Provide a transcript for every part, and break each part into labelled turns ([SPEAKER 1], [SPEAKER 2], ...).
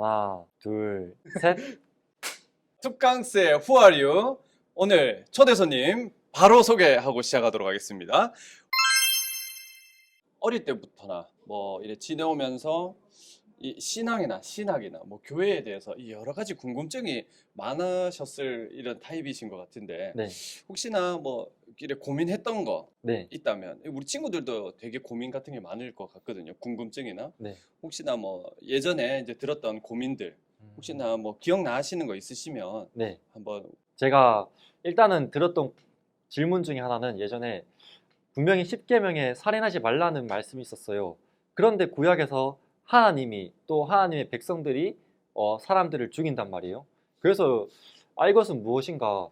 [SPEAKER 1] 하나, 둘, 셋.
[SPEAKER 2] 툭강스의 Who are you? 오늘 초대 손님 바로 소개하고 시작하도록 하겠습니다. 어릴 때부터나 뭐 이래 지내오면서 이 신학이나 뭐 교회에 대해서 이 여러 가지 궁금증이 많으셨을 이런 타입이신 것 같은데
[SPEAKER 1] 네,
[SPEAKER 2] 혹시나 뭐 이래 고민했던 거
[SPEAKER 1] 네,
[SPEAKER 2] 있다면 우리 친구들도 되게 고민 같은 게 많을 것 같거든요. 궁금증이나
[SPEAKER 1] 네.
[SPEAKER 2] 혹시나 뭐 예전에 이제 들었던 고민들 혹시나 뭐 기억나시는 거 있으시면
[SPEAKER 1] 네.
[SPEAKER 2] 한번
[SPEAKER 1] 제가 일단은 들었던 질문 중에 하나는 예전에 분명히 십계명에 살인하지 말라는 말씀이 있었어요. 그런데 구약에서 하나님이 또 하나님의 백성들이 사람들을 죽인단 말이에요. 그래서 이것은 무엇인가?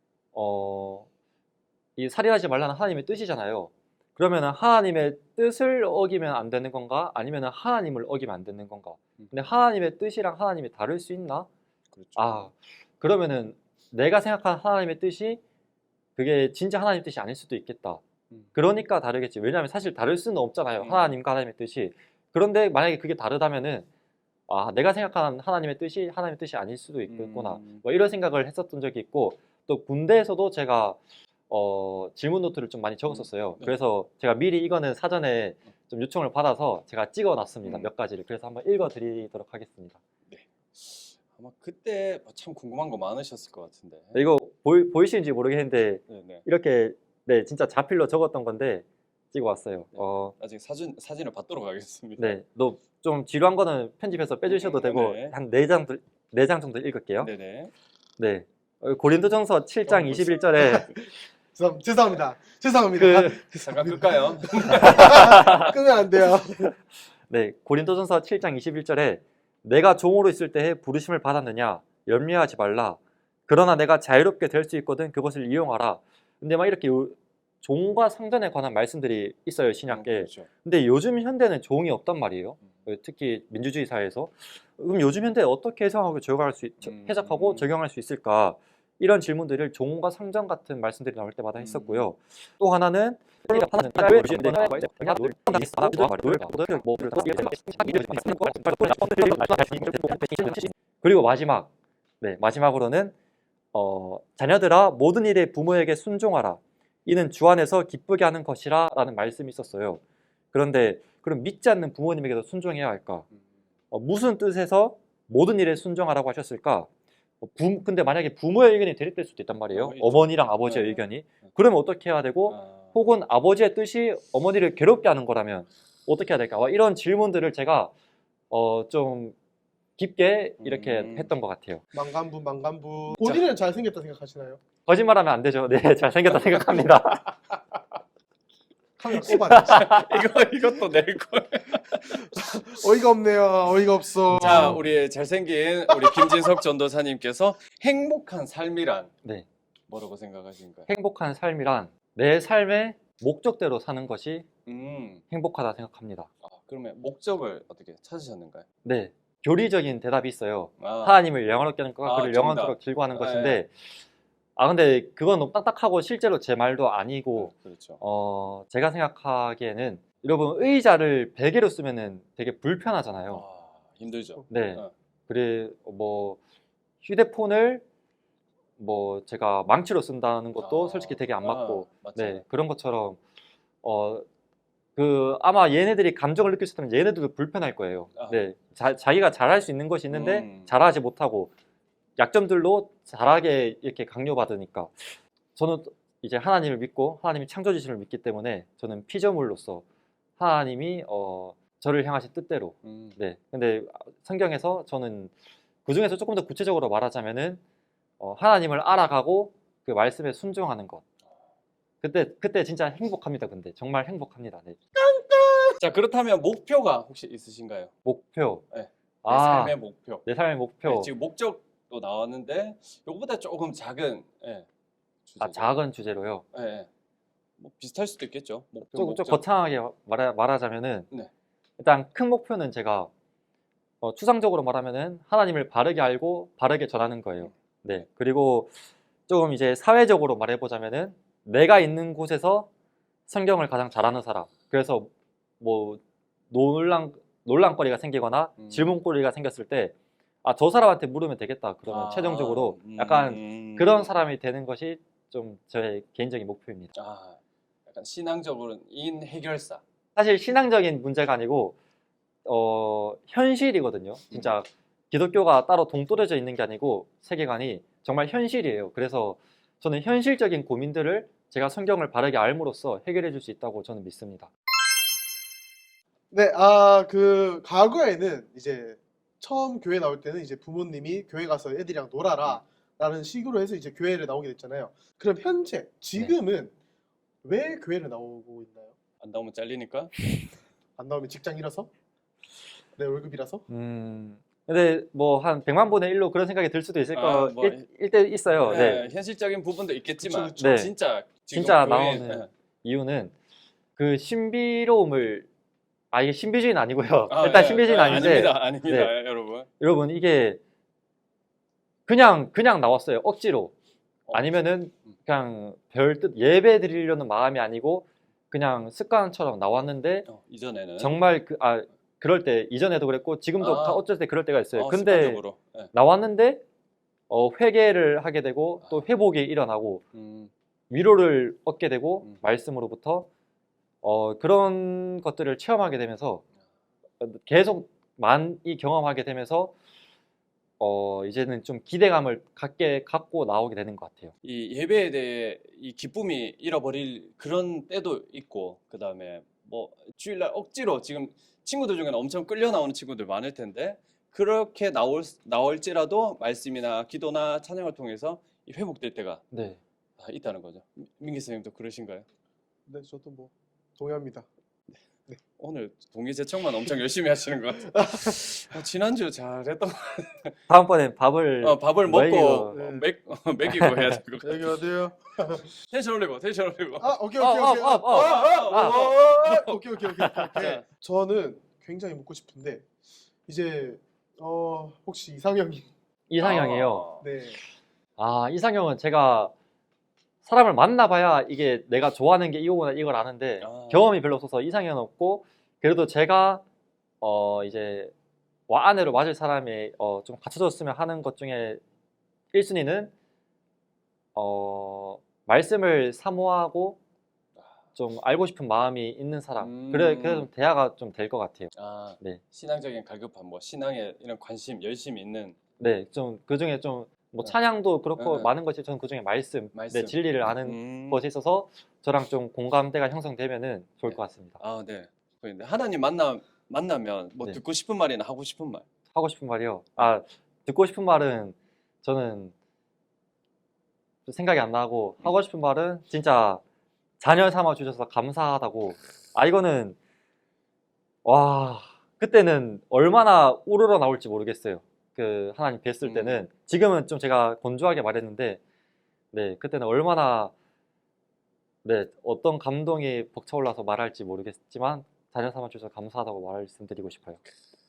[SPEAKER 1] 이 살인하지 말라는 하나님의 뜻이잖아요. 그러면 하나님의 뜻을 어기면 안 되는 건가? 아니면 하나님을 어기면 안 되는 건가? 근데 하나님의 뜻이랑 하나님이 다를 수 있나?
[SPEAKER 2] 그렇죠.
[SPEAKER 1] 그러면은 내가 생각하는 하나님의 뜻이 그게 진짜 하나님 뜻이 아닐 수도 있겠다. 그러니까 다르겠지. 왜냐하면 사실 다를 수는 없잖아요. 하나님과 하나님의 뜻이. 그런데 만약에 그게 다르다면은 내가 생각하는 하나님의 뜻이 하나님의 뜻이 아닐 수도 있겠구나. 뭐 이런 생각을 했었던 적이 있고 또 군대에서도 제가 질문 노트를 좀 많이 적었었어요.
[SPEAKER 2] 네.
[SPEAKER 1] 그래서 제가 미리 이거는 사전에 좀 요청을 받아서 제가 찍어놨습니다.
[SPEAKER 2] 음.
[SPEAKER 1] 몇 가지를. 그래서 한번 읽어드리도록 하겠습니다.
[SPEAKER 2] 아마 그때 참 궁금한 거 많으셨을 것 같은데.
[SPEAKER 1] 네, 이거 보이시는지 모르겠는데
[SPEAKER 2] 네네.
[SPEAKER 1] 이렇게 진짜 자필로 적었던 건데 찍어왔어요.
[SPEAKER 2] 네. 나중에 사진을 받도록 하겠습니다.
[SPEAKER 1] 네, 너 좀 지루한 거는 편집해서 빼주셔도 되고
[SPEAKER 2] 네.
[SPEAKER 1] 한 4장 정도 읽을게요.
[SPEAKER 2] 네네.
[SPEAKER 1] 네, 고린도전서 7장 21절에
[SPEAKER 3] 죄송합니다.
[SPEAKER 2] 잠깐 끌까요?
[SPEAKER 3] 끄면 안 돼요.
[SPEAKER 1] 네, 고린도전서 7장 21절에 내가 종으로 있을 때에 부르심을 받았느냐 염려하지 말라. 그러나 내가 자유롭게 될 수 있거든 그것을 이용하라. 근데 막 이렇게 종과 상전에 관한 말씀들이 있어요, 신약계.
[SPEAKER 2] 그렇죠.
[SPEAKER 1] 근데 요즘 현대는 종이 없단 말이에요. 특히 민주주의 사회에서. 그럼 요즘 현대에 어떻게 해석하고 해석하고 적용할 수 있을까? 이런 질문들을 종과 상전 같은 말씀들이 나올 때마다 했었고요. 또 하나는 그리고 마지막으로는 자녀들아 모든 일에 부모에게 순종하라. 이는 주 안에서 기쁘게 하는 것이라 라는 말씀이 있었어요. 그런데 그럼 믿지 않는 부모님에게도 순종해야 할까? 무슨 뜻에서 모든 일에 순종하라고 하셨을까? 근데 만약에 부모의 의견이 대립될 수도 있단 말이에요. 어머니랑 아버지의
[SPEAKER 2] 네.
[SPEAKER 1] 의견이. 그러면 어떻게 해야 되고 혹은 아버지의 뜻이 어머니를 괴롭게 하는 거라면 어떻게 해야 될까? 이런 질문들을 제가 좀 깊게 이렇게 했던 것 같아요.
[SPEAKER 3] 망간부. 본인은 잘생겼다 생각하시나요?
[SPEAKER 1] 거짓말하면 안 되죠. 네, 잘생겼다 생각합니다.
[SPEAKER 3] 카메라 꼽아내.
[SPEAKER 2] 이것도 낼 걸.
[SPEAKER 3] 어이가 없네요. 어이가 없어.
[SPEAKER 2] 자, 우리 잘생긴 우리 김진석 전도사님께서 행복한 삶이란
[SPEAKER 1] 네.
[SPEAKER 2] 뭐라고 생각하신가요?
[SPEAKER 1] 행복한 삶이란 내 삶의 목적대로 사는 것이
[SPEAKER 2] 음.
[SPEAKER 1] 행복하다 생각합니다.
[SPEAKER 2] 그러면 목적을 어떻게 찾으셨는가요?
[SPEAKER 1] 네, 교리적인 대답이 있어요.
[SPEAKER 2] 아,
[SPEAKER 1] 하나님을 영원롭게 하는 것과 그를
[SPEAKER 2] 정답.
[SPEAKER 1] 영원토록 즐거워하는
[SPEAKER 2] 네.
[SPEAKER 1] 것인데 근데 그건 너무 딱딱하고 실제로 제 말도 아니고
[SPEAKER 2] 그렇죠.
[SPEAKER 1] 제가 생각하기에는 여러분 의자를 베개로 쓰면은 되게 불편하잖아요.
[SPEAKER 2] 힘들죠.
[SPEAKER 1] 네. 그래 뭐 휴대폰을 뭐 제가 망치로 쓴다는 것도 솔직히 되게 안 맞고 네, 그런 것처럼 아마 얘네들이 감정을 느낄 수 있다면 얘네들도 불편할 거예요. 네, 자기가 잘할 수 있는 것이 있는데 잘하지 못하고 약점들로 잘하게 이렇게 강요받으니까 저는 이제 하나님을 믿고 하나님이 창조주심을 믿기 때문에 저는 피조물로서 하나님이 저를 향하신 뜻대로 네, 근데 성경에서 저는 그 중에서 조금 더 구체적으로 말하자면은 하나님을 알아가고 그 말씀에 순종하는 것. 그때 진짜 행복합니다. 근데 정말 행복합니다. 네.
[SPEAKER 2] 자, 그렇다면 목표가 혹시 있으신가요?
[SPEAKER 1] 목표.
[SPEAKER 2] 네. 내 삶의 목표.
[SPEAKER 1] 내 삶의 목표.
[SPEAKER 2] 네, 지금 목적도 나왔는데 이거보다 조금 작은 주제.
[SPEAKER 1] 작은 주제로요.
[SPEAKER 2] 네. 뭐 비슷할 수도 있겠죠.
[SPEAKER 1] 좀 거창하게 말하자면은
[SPEAKER 2] 네.
[SPEAKER 1] 일단 큰 목표는 제가 추상적으로 말하면은 하나님을 바르게 알고 바르게 전하는 거예요. 네. 그리고 조금 이제 사회적으로 말해보자면은 내가 있는 곳에서 성경을 가장 잘하는 사람. 그래서 뭐 논란거리가 생기거나 질문거리가 생겼을 때 저 사람한테 물으면 되겠다. 그러면 최종적으로 약간 그런 사람이 되는 것이 좀 저의 개인적인 목표입니다.
[SPEAKER 2] 약간 신앙적으로는 인 해결사.
[SPEAKER 1] 사실 신앙적인 문제가 아니고 현실이거든요. 진짜 기독교가 따로 동떨어져 있는 게 아니고 세계관이 정말 현실이에요. 그래서 저는 현실적인 고민들을 제가 성경을 바르게 알므로써 해결해 줄 수 있다고 저는 믿습니다.
[SPEAKER 3] 네, 그 과거에는 이제 처음 교회 나올 때는 이제 부모님이 교회 가서 애들이랑 놀아라 라는 식으로 해서 이제 교회를 나오게 됐잖아요. 그럼 현재 지금은 왜 교회를 나오고 있나요?
[SPEAKER 2] 안 나오면 잘리니까.
[SPEAKER 3] 안 나오면 직장 잃어서? 내 월급이라서?
[SPEAKER 1] 근데 뭐 한 100만 분의 1로 그런 생각이 들 수도 있을 때 있어요.
[SPEAKER 2] 네, 현실적인 부분도 있겠지만
[SPEAKER 3] 그쵸,
[SPEAKER 1] 네.
[SPEAKER 2] 진짜 지금
[SPEAKER 1] 진짜
[SPEAKER 2] 교회-
[SPEAKER 1] 나오는 이유는 그 신비로움을 이게 신비주의는 아니고요. 일단 신비주의는 아닌데
[SPEAKER 2] 아닙니다, 여러분.
[SPEAKER 1] 여러분 이게 그냥 나왔어요. 억지로. 아니면은 그냥 별 뜻 예배 드리려는 마음이 아니고 그냥 습관처럼 나왔는데
[SPEAKER 2] 이전에는
[SPEAKER 1] 정말 그럴 때 이전에도 그랬고 지금도 다 어쩔 때 그럴 때가 있어요. 근데
[SPEAKER 2] 습관적으로. 네.
[SPEAKER 1] 나왔는데 회개를 하게 되고 또 회복이 일어나고 위로를 얻게 되고 말씀으로부터 그런 것들을 체험하게 되면서 계속 많이 경험하게 되면서 이제는 좀 기대감을 갖고 나오게 되는 것 같아요.
[SPEAKER 2] 이 예배에 대해 이 기쁨이 잃어버릴 그런 때도 있고, 그 다음에 뭐 주일날 억지로 지금 친구들 중에는 엄청 끌려 나오는 친구들 많을 텐데 그렇게 나올지라도 말씀이나 기도나 찬양을 통해서 이 회복될 때가
[SPEAKER 1] 네.
[SPEAKER 2] 있다는 거죠. 민기 선생님도 그러신가요?
[SPEAKER 3] 네, 저도 뭐 동의합니다.
[SPEAKER 2] 오늘 동의제청만 엄청 열심히 하시는 것 같아요. 지난주 잘했던
[SPEAKER 1] 다음번엔 밥을
[SPEAKER 2] 밥을
[SPEAKER 1] 먹이고.
[SPEAKER 2] 먹고 먹이고 해야 될 것 같아요.
[SPEAKER 3] 여기 어디요?
[SPEAKER 2] 텐션 올리고.
[SPEAKER 3] 오케이. 오케이. 저는 굉장히 묻고 싶은데 이제 혹시 이상형이
[SPEAKER 1] 이상형이에요.
[SPEAKER 3] 네.
[SPEAKER 1] 이상형은 제가 사람을 만나봐야 이게 내가 좋아하는 게 이거구나 이걸 아는데 경험이 별로 없어서 이상형은 없고 그래도 제가 이제 아내로 맞을 사람이 좀 갖춰졌으면 하는 것 중에 1순위는 말씀을 사모하고 좀 알고 싶은 마음이 있는 사람. 그래서 좀 대화가 좀 될 것 같아요. 네.
[SPEAKER 2] 신앙적인 갈급함, 뭐 신앙에 이런 관심, 열심이 있는.
[SPEAKER 1] 네, 좀 그 중에 좀 뭐 찬양도 그렇고
[SPEAKER 2] 네.
[SPEAKER 1] 많은 것이 저는 그 중에 말씀, 네, 진리를 아는 것이 있어서 저랑 좀 공감대가 형성되면은 좋을 것 같습니다.
[SPEAKER 2] 네. 근데 하나님 만나면 뭐
[SPEAKER 1] 네.
[SPEAKER 2] 듣고 싶은 말이나 하고 싶은 말.
[SPEAKER 1] 하고 싶은 말이요. 듣고 싶은 말은 저는 좀 생각이 안 나고 하고 싶은 말은 진짜 자녀 삼아 주셔서 감사하다고. 이거는 그때는 얼마나 우러러 나올지 모르겠어요. 그 하나님 뵀을 때는 지금은 좀 제가 건조하게 말했는데 네 그때는 얼마나 어떤 감동이 벅차올라서 말할지 모르겠지만 자녀 삼아 주셔서 감사하다고 말씀드리고 싶어요.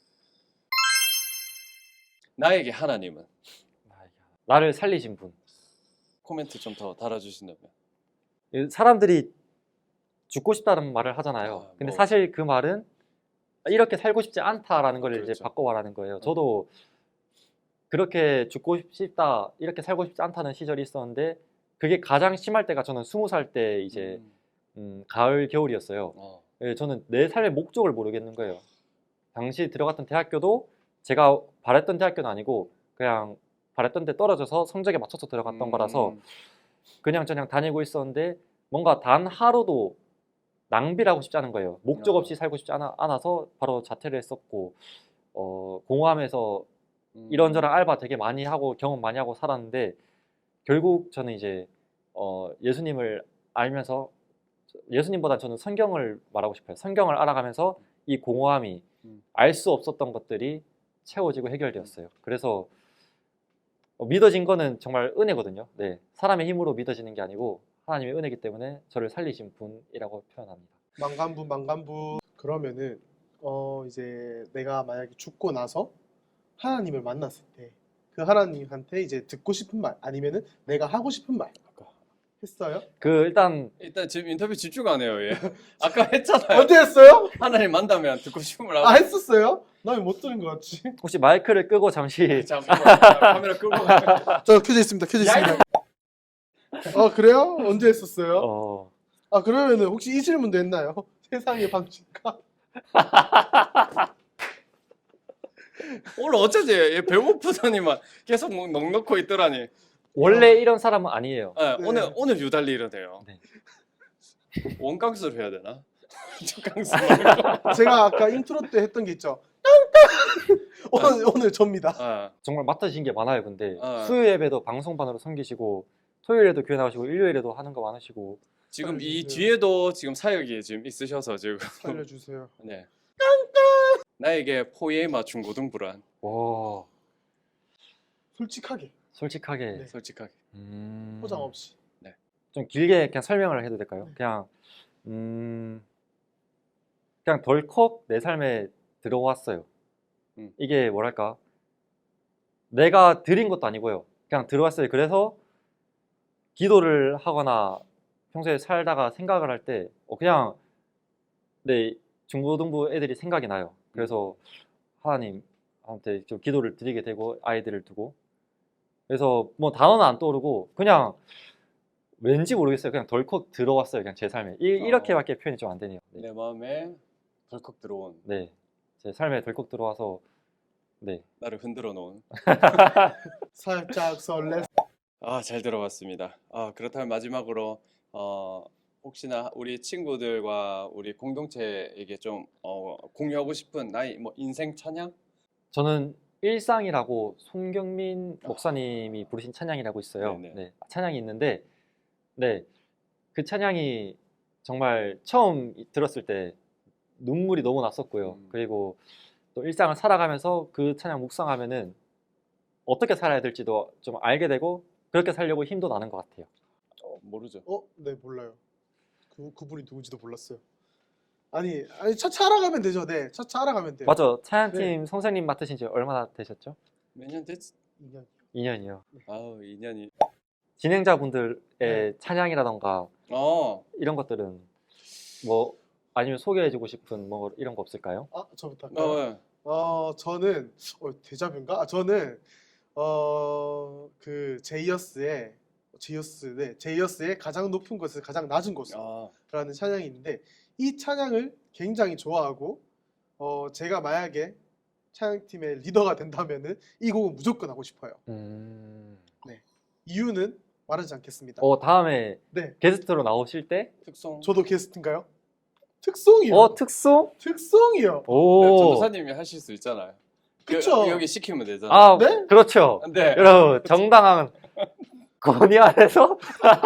[SPEAKER 2] 나에게 하나님은.
[SPEAKER 1] 나를 살리신 분.
[SPEAKER 2] 코멘트 좀 더 달아주신다면.
[SPEAKER 1] 사람들이 죽고 싶다는 말을 하잖아요. 근데 사실 그 말은 이렇게 살고 싶지 않다라는 걸 이제 바꿔 말하는 거예요. 저도 그렇게 죽고 싶다, 이렇게 살고 싶지 않다는 시절이 있었는데 그게 가장 심할 때가 저는 20살 때 이제 가을 겨울이었어요. 저는 내 삶의 목적을 모르겠는 거예요. 당시 들어갔던 대학교도 제가 바랬던 대학교는 아니고 그냥 바랬던 데 떨어져서 성적에 맞춰서 들어갔던 거라서 그냥 다니고 있었는데 뭔가 단 하루도 낭비를 하고 싶지 않은 거예요. 목적 없이 살고 싶지 않아서 바로 자퇴를 했었고 공허함에서 이런저런 알바 되게 많이 하고 경험 많이 하고 살았는데 결국 저는 이제 예수님을 알면서 예수님보다 저는 성경을 말하고 싶어요. 성경을 알아가면서 이 공허함이 알 수 없었던 것들이 채워지고 해결되었어요. 그래서 믿어진 거는 정말 은혜거든요. 네, 사람의 힘으로 믿어지는 게 아니고 하나님의 은혜이기 때문에 저를 살리신 분이라고 표현합니다.
[SPEAKER 3] 망간부. 그러면은 이제 내가 만약에 죽고 나서 하나님을 만났을 때 그 하나님한테 이제 듣고 싶은 말 아니면은 내가 하고 싶은 말 했어요?
[SPEAKER 1] 일단
[SPEAKER 2] 지금 인터뷰 집중 안 해요, 얘. 아까 했잖아요.
[SPEAKER 3] 언제 했어요?
[SPEAKER 2] 하나님 만나면 듣고 싶은 말 하고.
[SPEAKER 3] 했었어요? 나 왜 못 들은 것 같지?
[SPEAKER 1] 혹시 마이크를 끄고 잠시
[SPEAKER 2] 잠깐만 카메라 끄고
[SPEAKER 3] 저 켜져 있습니다. 켜져 있습니다. 그래요? 언제 했었어요?
[SPEAKER 1] 어,
[SPEAKER 3] 그러면은 혹시 이 질문도 했나요? 세상의 방식과
[SPEAKER 2] 오늘 어쩌지? 얘 배고프더니만 계속 뭐 넉넉고 있더라니.
[SPEAKER 1] 원래 이런 사람은 아니에요.
[SPEAKER 2] 네,
[SPEAKER 3] 네.
[SPEAKER 2] 오늘 유달리 이러네요.
[SPEAKER 1] 네.
[SPEAKER 2] 원강수를 해야 되나? 척강수 말고.
[SPEAKER 3] 제가 아까 인트로 때 했던 게 있죠. 오늘 접니다.
[SPEAKER 2] 아,
[SPEAKER 1] 정말 맡으신 게 많아요. 근데
[SPEAKER 2] 아.
[SPEAKER 1] 수요 예배도 방송반으로 섬기시고 토요일에도 교회 나오시고 일요일에도 하는 거 많으시고
[SPEAKER 2] 지금 이
[SPEAKER 3] 살려주세요.
[SPEAKER 2] 뒤에도 지금 사역이 지금 있으셔서 지금
[SPEAKER 3] 살려주세요.
[SPEAKER 2] 네. 나에게 포에마 중고등부란
[SPEAKER 1] 와
[SPEAKER 3] 솔직하게
[SPEAKER 1] 솔직하게
[SPEAKER 3] 네.
[SPEAKER 2] 솔직하게
[SPEAKER 3] 포장 없이.
[SPEAKER 1] 좀 길게 그냥 설명을 해도 될까요?
[SPEAKER 3] 네.
[SPEAKER 1] 그냥 그냥 덜컥 내 삶에 들어왔어요. 이게 뭐랄까 내가 드린 것도 아니고요. 그냥 들어왔어요. 그래서 기도를 하거나 평소에 살다가 생각을 할 때 그냥 내 중고등부 애들이 생각이 나요. 그래서 하나님한테 좀 기도를 드리게 되고 아이들을 두고 그래서 뭐 단어는 안 떠오르고 그냥 왠지 모르겠어요. 그냥 덜컥 들어왔어요. 그냥 제 삶에 이렇게밖에 표현이 좀 안 되네요. 네.
[SPEAKER 2] 내 마음에 덜컥 들어온
[SPEAKER 1] 네. 제 삶에 덜컥 들어와서 네.
[SPEAKER 2] 나를 흔들어 놓은
[SPEAKER 3] 살짝 설레.
[SPEAKER 2] 잘 들어봤습니다. 그렇다면 마지막으로 혹시나 우리 친구들과 우리 공동체에게 좀 공유하고 싶은 나의 뭐 인생 찬양?
[SPEAKER 1] 저는 일상이라고 손경민 목사님이 부르신 찬양이라고 있어요.
[SPEAKER 2] 네네.
[SPEAKER 1] 네. 찬양이 있는데 네. 그 찬양이 정말 처음 들었을 때 눈물이 너무 났었고요. 그리고 또 일상을 살아가면서 그 찬양 묵상하면은 어떻게 살아야 될지도 좀 알게 되고 그렇게 살려고 힘도 나는 것 같아요.
[SPEAKER 2] 모르죠.
[SPEAKER 3] 네 몰라요. 그분이 누군지도 몰랐어요. 아니 차차 알아가면 되죠. 네, 차차 알아가면 돼요.
[SPEAKER 1] 맞아. 찬양팀 선생님 맡으신 지 얼마나 되셨죠?
[SPEAKER 2] 몇 년 됐지?
[SPEAKER 3] 2년.
[SPEAKER 1] 2년이요.
[SPEAKER 2] 2년이.
[SPEAKER 1] 진행자분들의 찬양이라던가 이런 것들은 뭐 아니면 소개해주고 싶은 뭐 이런 거 없을까요?
[SPEAKER 3] 저부터 할까요? 저는 데자뷰인가? 저는 그 제이어스의 가장 높은 것은 가장 낮은 곳이라는 찬양이 있는데 이 찬양을 굉장히 좋아하고 제가 만약에 찬양팀의 리더가 된다면은 이 곡은 무조건 하고 싶어요. 네. 이유는 말하지 않겠습니다.
[SPEAKER 1] 다음에
[SPEAKER 3] 네.
[SPEAKER 1] 게스트로 나오실 때
[SPEAKER 2] 특송.
[SPEAKER 3] 저도 게스트인가요? 특송이요.
[SPEAKER 1] 특송?
[SPEAKER 3] 특송이요.
[SPEAKER 1] 오.
[SPEAKER 2] 전도사님이 하실 수 있잖아요.
[SPEAKER 3] 그쵸.
[SPEAKER 2] 여기 시키면 되잖아요.
[SPEAKER 3] 네?
[SPEAKER 1] 그렇죠.
[SPEAKER 2] 네.
[SPEAKER 1] 여러분 정당한 건의 아래서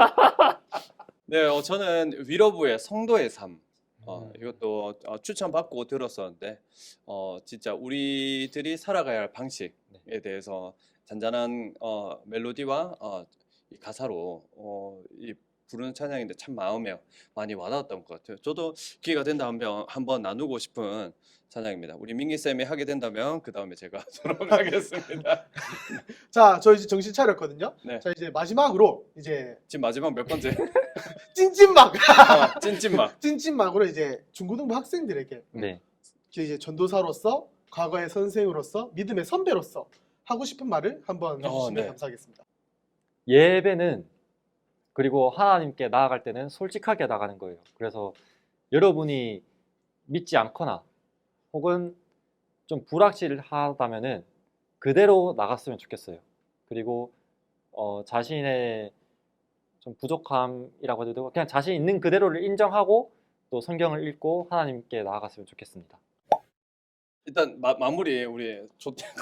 [SPEAKER 2] 네, 저는 위로부의 성도의 삶. 이것도 추천받고 들었었는데 진짜 우리들이 살아가야 할 방식에 대해서 잔잔한 멜로디와 이 가사로 이 부르는 찬양인데 참 마음에 많이 와닿았던 것 같아요. 저도 기회가 된다면 한번 나누고 싶은 찬양입니다. 우리 민기 쌤이 하게 된다면 그 다음에 제가 하도록 하겠습니다.
[SPEAKER 3] 자, 저 이제 정신 차렸거든요.
[SPEAKER 2] 네.
[SPEAKER 3] 자, 이제 마지막으로 이제
[SPEAKER 2] 지금 마지막 몇 번째?
[SPEAKER 3] 찐찐막
[SPEAKER 2] 찐찐막.
[SPEAKER 3] 찐찐막으로 이제 중고등부 학생들에게
[SPEAKER 1] 네.
[SPEAKER 3] 이제 전도사로서 과거의 선생으로서 믿음의 선배로서 하고 싶은 말을 한번 해주시면
[SPEAKER 2] 네.
[SPEAKER 3] 감사하겠습니다.
[SPEAKER 1] 예배는 그리고 하나님께 나아갈 때는 솔직하게 나가는 거예요. 그래서 여러분이 믿지 않거나 혹은 좀 불확실하다면은 그대로 나갔으면 좋겠어요. 그리고 자신의 좀 부족함이라고 해도 되고 그냥 자신 있는 그대로를 인정하고 또 성경을 읽고 하나님께 나아갔으면 좋겠습니다.
[SPEAKER 2] 일단 마무리 우리 좋대고.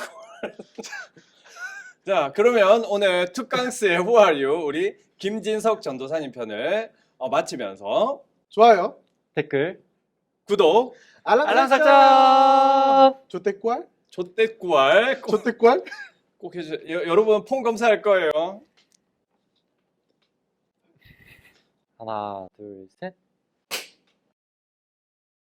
[SPEAKER 2] 자, 그러면 오늘 투캉스의 Who Are You 우리 김진석 전도사님 편을 마치면서
[SPEAKER 3] 좋아요.
[SPEAKER 1] 댓글,
[SPEAKER 2] 구독,
[SPEAKER 1] 알람 설정!
[SPEAKER 3] 조태꾸알?
[SPEAKER 2] 좆댓구알
[SPEAKER 3] 조태꾸알?
[SPEAKER 2] 꼭 해주세요. 여러분 폰 검사할 거예요.
[SPEAKER 1] 하나, 둘, 셋.